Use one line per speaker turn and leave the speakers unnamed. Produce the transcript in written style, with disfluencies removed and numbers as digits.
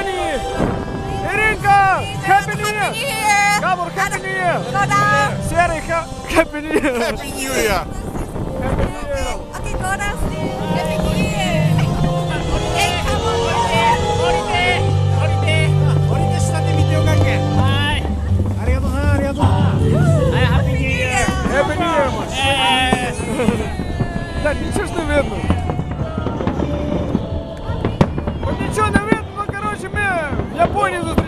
Germany! Іринка! Happy New Year! Габор, Happy New Year! Серий, Happy New Year!
Happy New Year!
Happy New Year!
Okay, go downstairs. Happy New Year. Hey, come on.
降りて下で見てよかけ。ありがとうな、ありがとう。
Happy New Year, man! Да, ничего ж не видно. Вот ничего не видно, ну, короче, мы в Японии